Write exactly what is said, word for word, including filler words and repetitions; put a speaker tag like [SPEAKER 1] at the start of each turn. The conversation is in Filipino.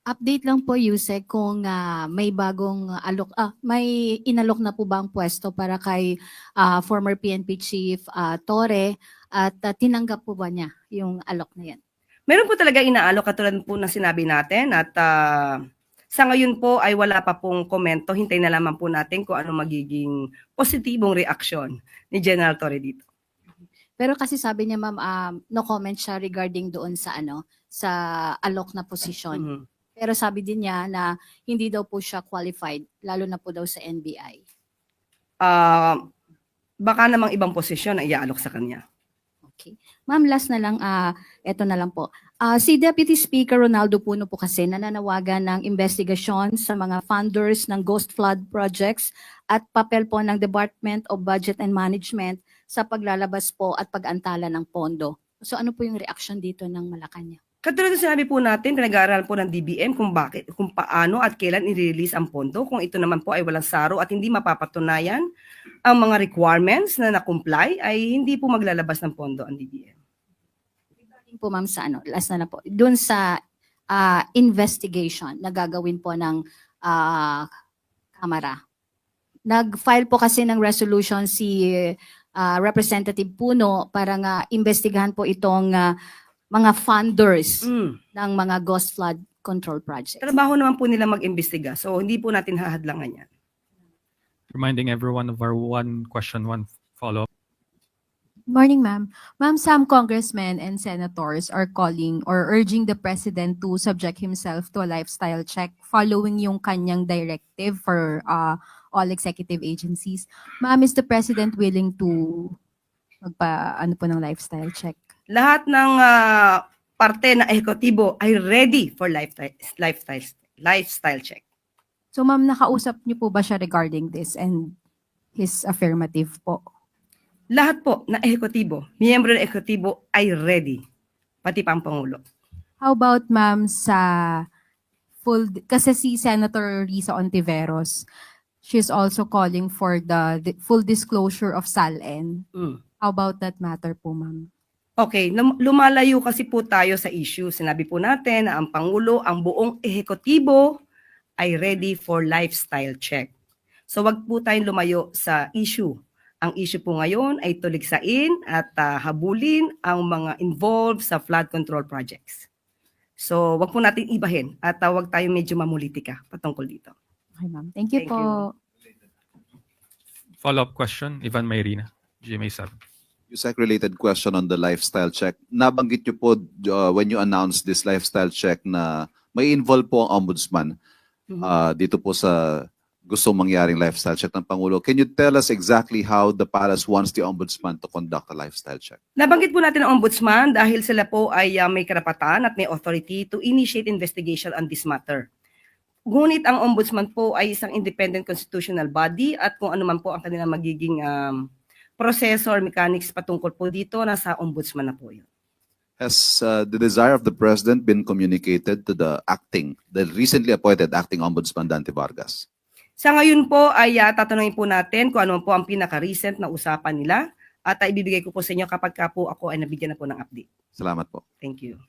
[SPEAKER 1] Update lang po, Yusek, kung ah, may bagong alok, ah, may inalok na po ba ang pwesto para kay ah, former P N P Chief ah, Torre at ah, tinanggap po ba niya yung alok na yan?
[SPEAKER 2] Meron po talaga inaalok katulad po ng sinabi natin at ah, sa ngayon po ay wala pa pong komento. Hintay na lamang po natin kung ano magiging positibong reaksyon ni General Torre dito.
[SPEAKER 1] Pero kasi sabi niya, ma'am, um, no comment siya regarding doon sa ano, sa alok na posisyon.
[SPEAKER 2] Mhm.
[SPEAKER 1] Pero sabi din niya na hindi daw po siya qualified, lalo na po daw sa N B I.
[SPEAKER 2] Ah, baka namang ibang posisyon ang iaalok sa kanya.
[SPEAKER 1] Okay. Ma'am, last na lang, ah, eto na lang po. Ah, si Deputy Speaker Ronaldo Puno po kasi nananawagan ng investigasyon sa mga funders ng Ghost Flood projects at papel po ng Department of Budget and Management sa paglalabas po at pag-antala ng pondo. So ano po yung reaction dito ng Malacanang?
[SPEAKER 2] Katulad ng sinabi po natin, pinag-aaralan po ng D B M kung bakit, kung paano at kailan i-release ang pondo. Kung ito naman po ay walang saro at hindi mapapatunayan ang mga requirements na na-comply, ay hindi po maglalabas ng pondo ang D B M.
[SPEAKER 1] Regarding po, ma'am, sa ano, last na na po, doon sa ah, investigation na gagawin po ng ah, Kamara. Nag-file po kasi ng resolution si ah, Representative Puno para nga investigahan po itong ah, mga funders
[SPEAKER 2] Mm.
[SPEAKER 1] ng mga ghost flood control projects.
[SPEAKER 2] Trabaho naman po nila mag-imbestiga. So, hindi po natin hahadlangan yan.
[SPEAKER 3] Reminding everyone of our one question, one follow-up.
[SPEAKER 4] Morning, ma'am. Ma'am, some congressmen and senators are calling or urging the president to subject himself to a lifestyle check following yung kanyang directive for uh, all executive agencies. Ma'am, is the president willing to magpa ano po ng lifestyle check?
[SPEAKER 2] Lahat ng ah, parte na ehekutibo ay ready for lifestyle, lifestyle, lifestyle check.
[SPEAKER 4] So, ma'am, nakausap niyo po ba siya regarding this and his affirmative po?
[SPEAKER 2] Lahat po na ehekutibo, miyembro ng ehekutibo ay ready. Pati pa ang Pangulo.
[SPEAKER 4] How about, ma'am, sa full, kasi si Senator Risa Ontiveros, she's also calling for the, the full disclosure of SALN.
[SPEAKER 2] Mm.
[SPEAKER 4] How about that matter po, ma'am?
[SPEAKER 2] Okay, lum- lumalayo kasi po tayo sa issue. Sinabi po natin na ang Pangulo, ang buong ehekutibo ay ready for lifestyle check. So wag po tayong lumayo sa issue. Ang issue po ngayon ay tuligsain at ah, habulin ang mga involved sa flood control projects. So wag po natin ibahin at uh, wag tayong medyo mamulitika patungkol dito.
[SPEAKER 4] Okay, ma'am. Thank you
[SPEAKER 2] Thank
[SPEAKER 4] po.
[SPEAKER 3] Follow-up question, Ivan Mayrina, G M A seven.
[SPEAKER 5] Yusek, related question on the lifestyle check. Nabanggit niyo po uh, when you announced this lifestyle check na may involve po ang ombudsman
[SPEAKER 2] Mhm.
[SPEAKER 5] uh, dito po sa gusto mangyaring lifestyle check ng Pangulo. Can you tell us exactly how the palace wants the ombudsman to conduct a lifestyle check?
[SPEAKER 2] Nabanggit po natin ang ombudsman dahil sila po ay uh, may karapatan at may authority to initiate investigation on this matter. Ngunit ang ombudsman po ay isang independent constitutional body at kung ano man po ang kanilang magiging um, proseso or mechanics patungkol po dito, nasa ombudsman na po yun.
[SPEAKER 5] Has uh, the desire of the president been communicated to the acting, the recently appointed acting ombudsman Dante Vargas?
[SPEAKER 2] Sa ngayon po ay uh, tatanungin po natin kung ano po ang pinaka-recent na usapan nila at uh, ibibigay ko po sa inyo kapag ka po ako ay nabigyan na po ng update.
[SPEAKER 5] Salamat po.
[SPEAKER 2] Thank you.